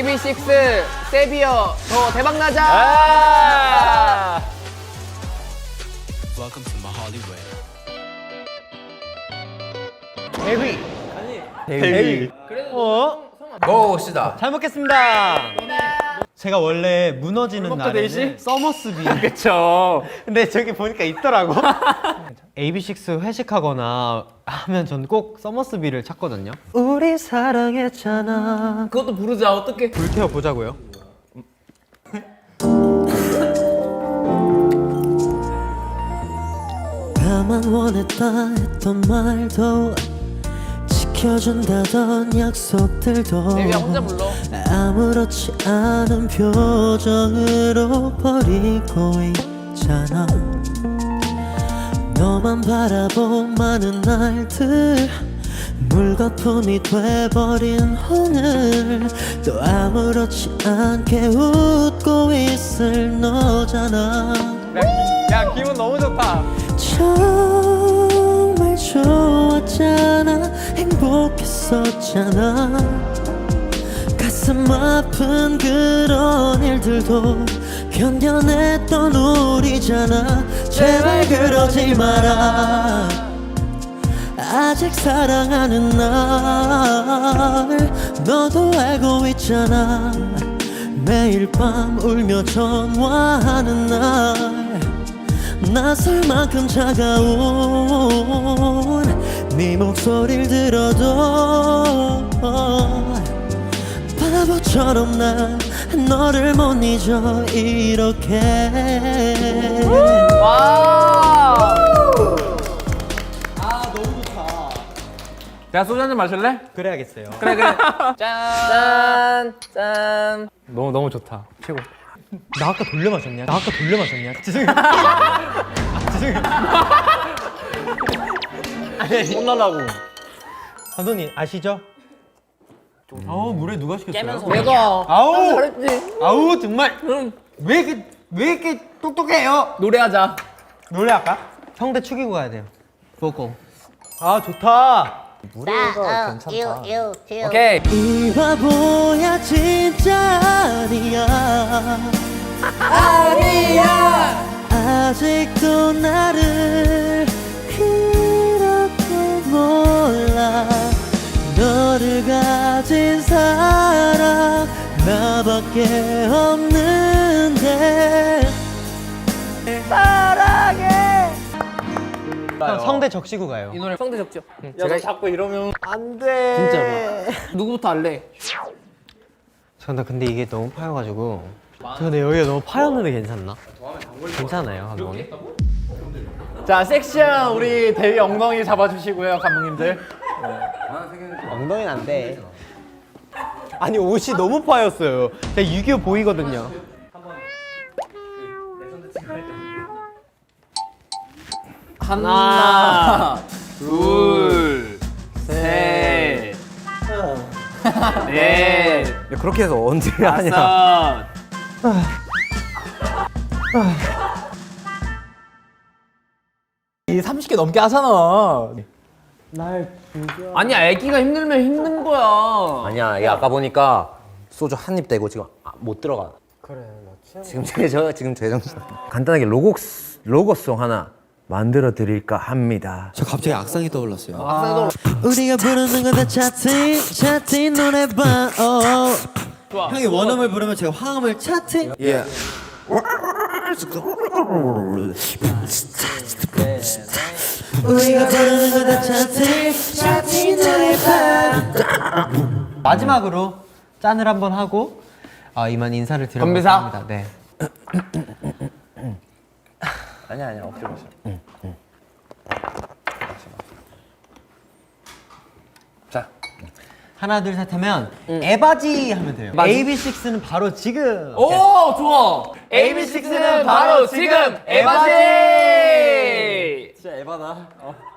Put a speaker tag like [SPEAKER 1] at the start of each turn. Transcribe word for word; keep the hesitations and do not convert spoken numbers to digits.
[SPEAKER 1] 에이비식스 세비어 더 대박 나자.
[SPEAKER 2] 아
[SPEAKER 3] Welcome to my Hollywood.
[SPEAKER 1] 데뷔.
[SPEAKER 2] 데뷔.
[SPEAKER 4] 어?
[SPEAKER 1] 먹어봅시다.
[SPEAKER 4] 잘 먹겠습니다. 제가 원래 무너지는
[SPEAKER 2] 먹자,
[SPEAKER 4] 날에는
[SPEAKER 2] 데이시?
[SPEAKER 4] 서머스비.
[SPEAKER 2] 그쵸.
[SPEAKER 4] 근데 저기 보니까 있더라고. 에이비식스 회식하거나 하면 전 꼭 서머스비를 찾거든요. 우리 사랑했잖아.
[SPEAKER 1] 그것도 부르자. 어떻게?
[SPEAKER 4] 불태워 보자고요. 나만 원했다 했던 말도 지켜준다던 약속들도
[SPEAKER 1] 데뷔야 혼자 불러.
[SPEAKER 4] 아무렇지 않은 표정으로 버리고 있잖아. 너만 바라본 많은 날들 물거품이 돼버린 오늘 또 아무렇지 않게 웃고 있을 너잖아.
[SPEAKER 2] 야, 야 기분 너무 좋다.
[SPEAKER 4] 정말 좋았잖아. 행복했었잖아. 가슴 아픈 그런 일들도 견뎌냈던 우리잖아. 제발 그러지 마라. 아직 사랑하는 날 너도 알고 있잖아. 매일 밤 울며 전화하는 날 낯설 만큼 차가운 네 목소리를 들어도 바보처럼 난 너를 못 잊어 이렇게.
[SPEAKER 1] 와.
[SPEAKER 2] 야, 소주 한잔 마실래?
[SPEAKER 4] 그래야겠어요.
[SPEAKER 2] 그래, 그래.
[SPEAKER 1] 짠. 짠.
[SPEAKER 2] 너무 너무 좋다. 최고.
[SPEAKER 4] 나 아까 돌려 마셨냐? 나 아까 돌려 마셨냐? 죄송해요. 죄송해요.
[SPEAKER 2] 혼나려고.
[SPEAKER 4] 감독님 아시죠? 아우 물에 누가 시켰어요?
[SPEAKER 1] 내가.
[SPEAKER 4] 아우
[SPEAKER 1] 잘했지.
[SPEAKER 4] 아우 정말
[SPEAKER 1] 응.
[SPEAKER 4] 왜 이렇게 왜 이렇게 똑똑해요?
[SPEAKER 1] 노래하자.
[SPEAKER 4] 노래할까? 형대 축이고 가야 돼요. 보고. 아 좋다.
[SPEAKER 5] 무료가 괜찮다.
[SPEAKER 1] 오케이.
[SPEAKER 4] 이 바보야 진짜 아니야.
[SPEAKER 1] 아니야.
[SPEAKER 4] 아직도 나를 이렇게 몰라. 너를 가진 사람 나밖에 없는데 사랑해. 형 성대 적시고 가요.
[SPEAKER 1] 이 노래 성대 적죠.
[SPEAKER 2] 야, 너 자꾸 이러면
[SPEAKER 4] 안돼.
[SPEAKER 1] 진짜로. 누구부터 할래?
[SPEAKER 4] 저나 근데 이게 너무 파여가지고. 저 근데 여기가 너무 파였는데 괜찮나? 괜찮아요 감독님?
[SPEAKER 2] 자, 섹시한 우리 데뷔 엉덩이 잡아주시고요, 감독님들.
[SPEAKER 4] 엉덩이는 안 돼. 아니 옷이 너무 파였어요. 제가 유교 보이거든요.
[SPEAKER 1] 하나, 둘, 셋, 넷,
[SPEAKER 6] 야, 그렇게 해서 언제 하냐?
[SPEAKER 1] 다섯.
[SPEAKER 2] 이 삼십 개 넘게 하잖아.
[SPEAKER 1] 아니야, 애기가 힘들면 힘든 거야.
[SPEAKER 6] 아니야, 이게 아까 보니까 소주 한 입 떼고 지금 아, 못 들어가. 그래, 나 지금 제저 지금 제정신. 간단하게 로고 로고송 하나 만들어 드릴까 합니다.
[SPEAKER 3] 저 갑자기 악상이 떠올랐어요.
[SPEAKER 4] 우리가 부르는 건 다 차트 차트 노래방.
[SPEAKER 3] 형이 원음을 부르면 제가 화음을 차트.
[SPEAKER 6] 예.
[SPEAKER 4] 우리가 부르는 건 다 차트 차트 노래방. 마지막으로 짠을 한번 하고 아, 이만 인사를 드려볼까
[SPEAKER 1] 건배사?
[SPEAKER 4] 합니다. 네.
[SPEAKER 6] 아니야, 아니야, 엎드려 마셔. 자,
[SPEAKER 4] 하나 둘 셋 하면 에바지 하면 돼요. 에이비식스는 바로 지금.
[SPEAKER 1] 오, 좋아. 에이비식스는 바로 지금 에바지.
[SPEAKER 2] 진짜 에바다. 어.